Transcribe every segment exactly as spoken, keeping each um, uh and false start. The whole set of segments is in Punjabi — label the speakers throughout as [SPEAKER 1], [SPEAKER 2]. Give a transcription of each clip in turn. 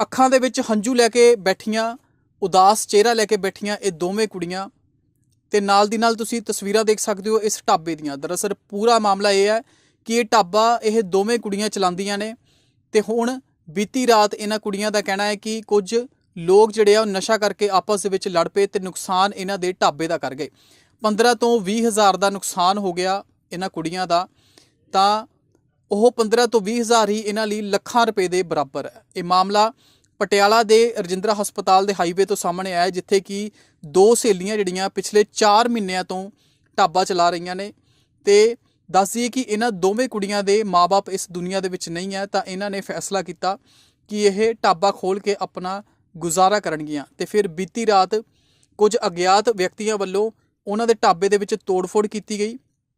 [SPEAKER 1] ਅੱਖਾਂ ਦੇ ਵਿੱਚ ਹੰਝੂ ਲੈ ਕੇ ਬੈਠੀਆਂ, ਉਦਾਸ ਚਿਹਰਾ ਲੈ ਕੇ ਬੈਠੀਆਂ ਇਹ ਦੋਵੇਂ ਕੁੜੀਆਂ। ਤੇ ਨਾਲ ਦੀ ਨਾਲ ਤੁਸੀਂ ਤਸਵੀਰਾਂ ਦੇਖ ਸਕਦੇ ਹੋ ਇਸ ਢਾਬੇ ਦੀਆਂ। ਦਰਅਸਲ ਪੂਰਾ ਮਾਮਲਾ ਇਹ ਹੈ ਕਿ ਇਹ ਢਾਬਾ ਇਹ ਦੋਵੇਂ ਕੁੜੀਆਂ ਚਲਾਉਂਦੀਆਂ ਨੇ ਤੇ ਹੁਣ ਬੀਤੀ ਰਾਤ ਇਹਨਾਂ ਕੁੜੀਆਂ ਦਾ ਕਹਿਣਾ ਹੈ ਕਿ ਕੁਝ ਲੋਕ ਜਿਹੜੇ ਆ ਉਹ ਨਸ਼ਾ ਕਰਕੇ ਆਪਸ ਦੇ ਵਿੱਚ ਲੜ ਪਏ ਤੇ ਨੁਕਸਾਨ ਇਹਨਾਂ ਦੇ ਢਾਬੇ ਦਾ ਕਰ ਗਏ। ਪੰਦਰਾਂ ਤੋਂ ਵੀਹ ਹਜ਼ਾਰ ਦਾ ਨੁਕਸਾਨ ਹੋ ਗਿਆ ਇਹਨਾਂ ਕੁੜੀਆਂ ਦਾ, ਤਾਂ ਉਹ ਪੰਦਰਾਂ ਤੋਂ ਵੀਹ ਹਜ਼ਾਰ ਹੀ ਇਹਨਾਂ ਲਈ ਲੱਖਾਂ ਰੁਪਏ ਦੇ ਬਰਾਬਰ ਹੈ। ਇਹ ਮਾਮਲਾ ਪਟਿਆਲਾ ਦੇ ਰਜਿੰਦਰਾ ਹਸਪਤਾਲ ਦੇ ਹਾਈਵੇ ਤੋਂ ਸਾਹਮਣੇ ਆਇਆ, ਜਿੱਥੇ ਕਿ ਦੋ ਸਹੇਲੀਆਂ ਜਿਹੜੀਆਂ ਪਿਛਲੇ ਚਾਰ ਮਹੀਨਿਆਂ ਤੋਂ ਢਾਬਾ ਚਲਾ ਰਹੀਆਂ ਨੇ। ਤੇ ਦੱਸ ਦਈਏ ਕਿ ਇਹਨਾਂ ਦੋਵੇਂ ਕੁੜੀਆਂ ਦੇ ਮਾਪੇ ਇਸ ਦੁਨੀਆ ਦੇ ਵਿੱਚ ਨਹੀਂ ਹੈ, ਤਾਂ ਇਹਨਾਂ ਨੇ ਫੈਸਲਾ ਕੀਤਾ ਕਿ ਇਹ ਢਾਬਾ ਖੋਲ੍ਹ ਕੇ ਆਪਣਾ ਗੁਜ਼ਾਰਾ ਕਰਨਗੀਆਂ। ਤੇ ਫਿਰ ਬੀਤੀ ਰਾਤ ਕੁਝ ਅਗਿਆਤ ਵਿਅਕਤੀਆਂ ਵੱਲੋਂ ਉਹਨਾਂ ਦੇ ਢਾਬੇ ਦੇ ਵਿੱਚ ਤੋੜ-ਫੋੜ ਕੀਤੀ ਗਈ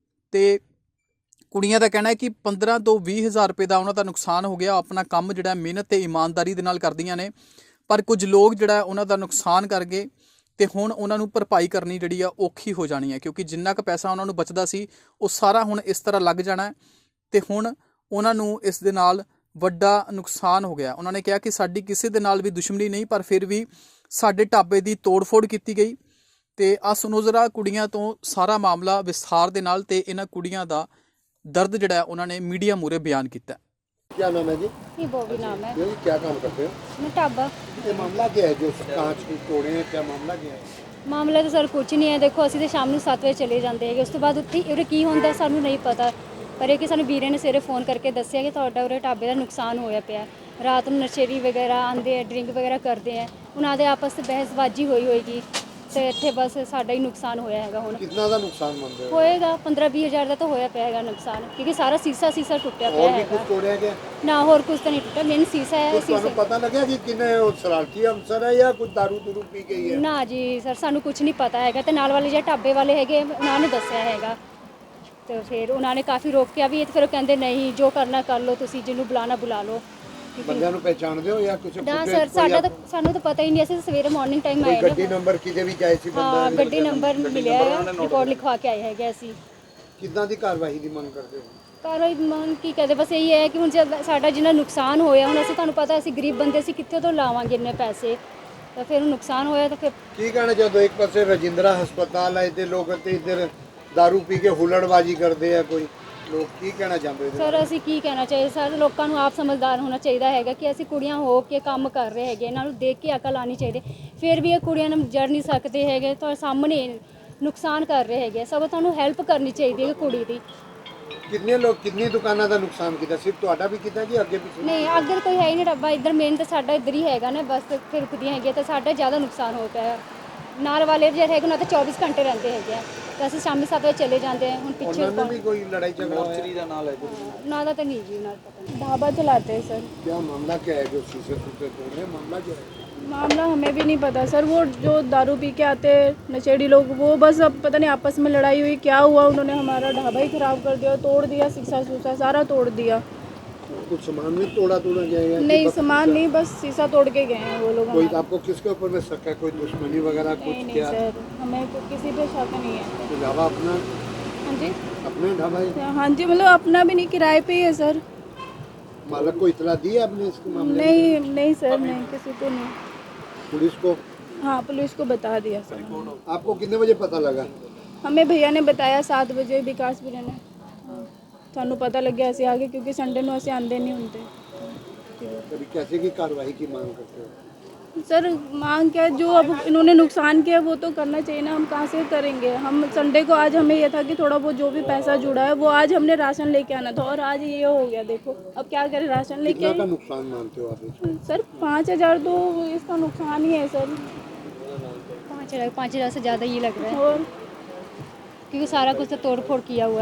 [SPEAKER 1] ਤੇ ਕੁੜੀਆਂ ਦਾ ਕਹਿਣਾ ਹੈ ਕਿ ਪੰਦਰਾਂ ਤੋਂ ਵੀਹ ਹਜ਼ਾਰ ਰੁਪਏ ਦਾ ਉਹਨਾਂ ਦਾ ਨੁਕਸਾਨ ਹੋ ਗਿਆ। ਆਪਣਾ ਕੰਮ ਜਿਹੜਾ ਮਿਹਨਤ ਤੇ ਇਮਾਨਦਾਰੀ ਦੇ ਨਾਲ ਕਰਦੀਆਂ ਨੇ, ਪਰ ਕੁਝ ਲੋਕ ਜਿਹੜਾ ਉਹਨਾਂ ਦਾ ਨੁਕਸਾਨ ਕਰ ਗਏ ਤੇ ਹੁਣ ਉਹਨਾਂ ਨੂੰ ਭਰਪਾਈ ਕਰਨੀ ਜਿਹੜੀ ਆ ਔਖੀ ਹੋ ਜਾਣੀ ਹੈ, ਕਿਉਂਕਿ ਜਿੰਨਾ ਕੁ ਪੈਸਾ ਉਹਨਾਂ ਨੂੰ ਬਚਦਾ ਸੀ ਉਹ ਸਾਰਾ ਹੁਣ ਇਸ ਤਰ੍ਹਾਂ ਲੱਗ ਜਾਣਾ ਹੈ ਤੇ ਹੁਣ ਉਹਨਾਂ ਨੂੰ ਇਸ ਦੇ ਨਾਲ ਵੱਡਾ ਨੁਕਸਾਨ ਹੋ ਗਿਆ। ਉਹਨਾਂ ਨੇ ਕਿਹਾ ਕਿ ਸਾਡੀ ਕਿਸੇ ਦੇ ਨਾਲ ਵੀ ਦੁਸ਼ਮਣੀ ਨਹੀਂ, ਪਰ ਫਿਰ ਵੀ ਸਾਡੇ ਢਾਬੇ ਦੀ ਤੋੜ-ਫੋੜ ਕੀਤੀ ਗਈ। ਤੇ ਆ ਸੁਣੋ ਜ਼ਰਾ ਕੁੜੀਆਂ ਤੋਂ ਸਾਰਾ ਮਾਮਲਾ ਵਿਸਥਾਰ ਦੇ ਨਾਲ, ਤੇ ਇਹਨਾਂ ਕੁੜੀਆਂ ਦਾ दर्द जड़ा उन्होंने मीडिया मूरे बयान किया।
[SPEAKER 2] क्या नाम है जी?
[SPEAKER 3] ये बॉबी नाम है।
[SPEAKER 2] ये क्या काम करते हो?
[SPEAKER 3] मैं ढाबा।
[SPEAKER 2] ये मामला क्या है जो कांच की तोड़े हैं, क्या मामला क्या है?
[SPEAKER 3] ਮਾਮਲਾ ਤਾਂ ਸਰ ਕੁਝ ਨਹੀਂ ਹੈ। ਦੇਖੋ ਅਸੀਂ ਤਾਂ ਸ਼ਾਮ ਨੂੰ ਸੱਤ ਵਜੇ ਚਲੇ ਜਾਂਦੇ ਹੈਗੇ, ਉਸ ਤੋਂ ਬਾਅਦ ਉੱਥੇ ਉਰੇ ਕੀ ਹੁੰਦਾ ਸਾਨੂੰ ਨਹੀਂ ਪਤਾ, ਪਰ ਇਹ ਕਿ ਸਾਨੂੰ ਵੀਰੇ ਨੇ ਸਵੇਰੇ ਫੋਨ ਕਰਕੇ ਦੱਸਿਆ ਕਿ ਤੁਹਾਡਾ ਉਰੇ ਢਾਬੇ ਦਾ ਨੁਕਸਾਨ ਹੋਇਆ ਪਿਆ। ਰਾਤ ਨੂੰ ਨਸ਼ੇੜੀ ਵਗੈਰਾ ਆਉਂਦੇ ਆ, ਡਰਿੰਕ ਵਗੈਰਾ ਕਰਦੇ ਆ, ਉਹਨਾਂ ਦੇ ਆਪਸ ਵਿੱਚ ਬਹਿਸਬਾਜ਼ੀ ਹੋਈ ਹੋਏਗੀ ਤੇ ਇੱਥੇ ਬਸ ਸਾਡਾ ਹੀ ਨੁਕਸਾਨ ਹੋਇਆ ਹੈਗਾ। ਹੁਣ
[SPEAKER 2] कितना ਦਾ ਨੁਕਸਾਨ ਮੰਨਦੇ ਹੋ?
[SPEAKER 3] ਹੋਏਗਾ ਪੰਦਰਾਂ ਵੀਹ ਹਜ਼ਾਰ ਦਾ ਤਾਂ ਹੋਇਆ ਪਿਆ ਹੈਗਾ ਨੁਕਸਾਨ, ਕਿਉਂਕਿ ਸਾਰਾ ਸੀਸਾ ਸੀਸਾ ਟੁੱਟਿਆ ਪਿਆ
[SPEAKER 2] और भी
[SPEAKER 3] ਹੈਗਾ।
[SPEAKER 2] कुछ तोड़े क्या?
[SPEAKER 3] ਨਾ ਹੋਰ ਕੁਝ ਤਾਂ ਨਹੀਂ ਟੁੱਟਿਆ, ਮੇਨ ਸੀਸਾ ਹੈ।
[SPEAKER 2] कुछ ਤੁਹਾਨੂੰ
[SPEAKER 3] ਸੀਸਾ
[SPEAKER 2] ਪਤਾ ਲੱਗਿਆ ਕਿ ਕਿਨੇ ਉਹ ਸ਼ਰਾਰਤੀ ਅਫਸਰ ਹੈ ਜਾਂ ਕੁਝ दारू ਦੂਰੂ ਪੀ ਗਈ ਹੈ?
[SPEAKER 3] ਨਾ ਜੀ ਸਰ ਸਾਨੂੰ ਕੁਝ ਨਹੀਂ ਪਤਾ ਹੈਗਾ, ਤੇ ਨਾਲ ਵਾਲੇ ਜਿਹੜੇ ਢਾਬੇ ਵਾਲੇ ਹੈਗੇ ਉਹਨਾਂ ਨੇ ਦੱਸਿਆ ਹੈਗਾ। ਤੇ ਫਿਰ ਉਹਨਾਂ ਨੇ ਕਾਫੀ ਰੋਕਿਆ ਵੀ, ਫਿਰ ਉਹ ਕਹਿੰਦੇ ਨਹੀਂ ਜੋ ਕਰਨਾ ਕਰ ਲਓ, ਤੁਸੀਂ ਜਿਹਨੂੰ ਬੁਲਾਣਾ ਬੁਲਾ ਲਓ।
[SPEAKER 2] ਬੰਦਿਆਂ ਨੂੰ ਪਹਿਚਾਣਦੇ ਹੋ ਜਾਂ ਕੁਝ?
[SPEAKER 3] ਨਾ ਸਰ ਸਾਡਾ ਤਾਂ ਸਾਨੂੰ ਤਾਂ ਪਤਾ ਹੀ ਨਹੀਂ, ਅਸੀਂ ਸਵੇਰੇ ਮਾਰਨਿੰਗ ਟਾਈਮ ਆਏ
[SPEAKER 2] ਗੱਡੀ
[SPEAKER 3] ਨੇ।
[SPEAKER 2] ਨੰਬਰ ਕਿਤੇ ਵੀ ਜਾਏ ਸੀ ਬੰਦਾ?
[SPEAKER 3] ਹਾਂ ਗੱਡੀ ਨੰਬਰ ਮਿਲਿਆ ਹੈ, ਰਿਪੋਰਟ ਲਿਖਵਾ ਕੇ ਆਏ ਹੈਗੇ ਅਸੀਂ।
[SPEAKER 2] ਕਿੱਦਾਂ ਦੀ ਕਾਰਵਾਈ ਦੀ ਮੰਗ ਕਰਦੇ ਹੋ?
[SPEAKER 3] ਕਾਰਵਾਈ ਮੰਗ ਕੀ ਕਹਦੇ, ਬਸ ਇਹੀ ਹੈ ਕਿ ਹੁਣ ਜਦ ਸਾਡਾ ਜਿੰਨਾ ਨੁਕਸਾਨ ਹੋਇਆ, ਹੁਣ ਅਸੀਂ ਤੁਹਾਨੂੰ ਪਤਾ ਅਸੀਂ ਗਰੀਬ ਬੰਦੇ, ਅਸੀਂ ਕਿੱਥੇ ਤੋਂ ਲਾਵਾਂਗੇ ਇੰਨੇ ਪੈਸੇ, ਤਾਂ ਫਿਰ ਨੁਕਸਾਨ ਹੋਇਆ ਤਾਂ ਫਿਰ
[SPEAKER 2] ਕੀ ਕਹਿਣਾ ਚਾਹੁੰਦੇ ਹੋ? ਇੱਕ ਪਾਸੇ ਰਜਿੰਦਰਾ ਹਸਪਤਾਲ ਹੈ ਤੇ ਲੋਕ ਤੇ ਇੱਧਰ दारू ਪੀ ਕੇ ਹੁੱਲੜਬਾਜ਼ੀ ਕਰਦੇ ਆ, ਕੋਈ ਲੋਕ ਕੀ ਕਹਿਣਾ ਚਾਹੁੰਦੇ ਹੋ?
[SPEAKER 3] ਸਰ ਅਸੀਂ ਕੀ ਕਹਿਣਾ ਚਾਹੀਏ, ਸਾਰੇ ਲੋਕਾਂ ਨੂੰ ਆਪ ਸਮਝਦਾਰ ਹੋਣਾ ਚਾਹੀਦਾ ਹੈਗਾ ਕਿ ਅਸੀਂ ਕੁੜੀਆਂ ਹੋ ਕੇ ਕੰਮ ਕਰ ਰਹੇ ਹੈਗੇ, ਇਹਨਾਂ ਨੂੰ ਦੇਖ ਕੇ ਅਕਲ ਆਉਣੀ ਚਾਹੀਦੀ। ਫਿਰ ਵੀ ਇਹ ਕੁੜੀਆਂ ਨੂੰ ਜੜ ਨਹੀਂ ਸਕਦੇ ਹੈਗੇ, ਤੁਹਾਡੇ ਸਾਹਮਣੇ ਨੁਕਸਾਨ ਕਰ ਰਹੇ ਹੈਗੇ, ਸਭ ਤੁਹਾਨੂੰ ਹੈਲਪ ਕਰਨੀ ਚਾਹੀਦੀ ਹੈ ਕੁੜੀ ਦੀ।
[SPEAKER 2] ਕਿੰਨੇ ਲੋਕ ਕਿੰਨੀ ਦੁਕਾਨਾਂ ਦਾ ਨੁਕਸਾਨ ਕੀਤਾ? ਸਿਰਫ ਤੁਹਾਡਾ ਵੀ ਕੀਤਾ ਜੀ ਅੱਗੇ ਪਿੱਛੇ?
[SPEAKER 3] ਨਹੀਂ ਅੱਗੇ ਕੋਈ ਹੈ ਹੀ ਨਹੀਂ ਢਾਬਾ, ਇੱਧਰ ਮੇਨ ਤਾਂ ਸਾਡਾ ਇੱਧਰ ਹੀ ਹੈਗਾ ਨਾ, ਬਸ ਫਿਰ ਰੁਕਦੀਆਂ ਹੈਗੀਆਂ ਤਾਂ ਸਾਡਾ ਜ਼ਿਆਦਾ ਨੁਕਸਾਨ ਹੋ ਪਿਆ। ਨਾਲ ਵਾਲੇ ਜਿਹੜੇ ਹੈਗੇ ਉਹਨਾਂ ਤਾਂ ਚੌਬੀਸ ਘੰਟੇ ਰਹਿੰਦੇ ਹੈਗੇ ਆ, ਤਾਂ ਅਸੀਂ ਸ਼ਾਮੀ ਸੱਤ ਵਜੇ ਚਲੇ ਜਾਂਦੇ ਹਾਂ। ਹੁਣ ਪਿੱਛੇ
[SPEAKER 2] ਉਹਨਾਂ ਨੇ ਵੀ ਕੋਈ ਲੜਾਈ ਝਗੜਾ ਹੋਇਆ?
[SPEAKER 3] ਦਾ ਨਾਲ ਹੈ ਨਾ ਦਾ ਤਾਂ ਨਹੀਂ ਜੀ, ਨਾਲ ਪਤਾ नहीं।
[SPEAKER 4] ढाबा चलाते हैं सर।
[SPEAKER 2] क्या मामला क्या है जो शीशे टूटे तोड़ रहे हैं? मामला क्या है?
[SPEAKER 4] मामला हमें भी नहीं पता सर, वो जो दारू पी के आते हैं नशेड़ी लोग, वो बस अब पता नहीं आपस में लड़ाई हुई क्या हुआ, उन्होंने हमारा ढाबा ही खराब कर दिया, तोड़ दिया, शीशा सूसा सारा तोड़ दिया।
[SPEAKER 2] कुछ सामान भी तोड़ा तोड़ा गया?
[SPEAKER 4] नहीं सामान नहीं, बस शीशा तोड़ के गए हैं वो लोग
[SPEAKER 2] कोई
[SPEAKER 4] हमारा।
[SPEAKER 2] आपको किसके ऊपर में शक है? कोई दुश्मनी वगैरह कुछ
[SPEAKER 4] नहीं नहीं
[SPEAKER 2] क्या?
[SPEAKER 4] सर, हमें को- किसी पे शक नहीं है।
[SPEAKER 2] तो ढाबा अपना
[SPEAKER 4] हाँ जी
[SPEAKER 2] अपने ढाबा है?
[SPEAKER 4] हाँ जी, मतलब अपना भी नहीं, किराए पे ही है सर।
[SPEAKER 2] मालक को इतला दी है आपने इसके मामले में?
[SPEAKER 4] नहीं नहीं सर, नहीं किसी को नहीं।
[SPEAKER 2] पुलिस को?
[SPEAKER 4] हाँ पुलिस को बता दिया सर।
[SPEAKER 2] आपको कितने बजे पता लगा?
[SPEAKER 4] हमें भैया ने बताया सात बजे, विकास भैया ने। ਸਾਨੂੰ ਪਤਾ ਲੱਗਿਆ ਅਸੀਂ ਆ ਗਏ, ਕਿਉਂਕਿ ਸੰਡੇ ਨੂੰ ਅਸੀਂ आंदे नहीं होते।
[SPEAKER 2] कभी कैसे की कार्रवाई की मांग करते हो?
[SPEAKER 4] सर मांग क्या, जो अब इन्होंने नुकसान किया वो तो करना चाहिए ना, हम कहाँ से करेंगे? हम संडे को आज हमें ये था कि थोड़ा बहुत जो भी पैसा जुड़ा है वो आज हमने राशन लेके आना था, और आज ये हो गया। देखो अब क्या करें, राशन लेके
[SPEAKER 2] कितना का
[SPEAKER 4] आए।
[SPEAKER 2] नुकसान मानते हो आप इसको?
[SPEAKER 4] सर पाँच हज़ार तो इसका नुकसान ही है सर।
[SPEAKER 3] पाँच हज़ार पाँच हज़ार से ज़्यादा ही लग रहा है,
[SPEAKER 4] और
[SPEAKER 3] क्योंकि सारा कुछ तो तोड़ फोड़ किया हुआ है।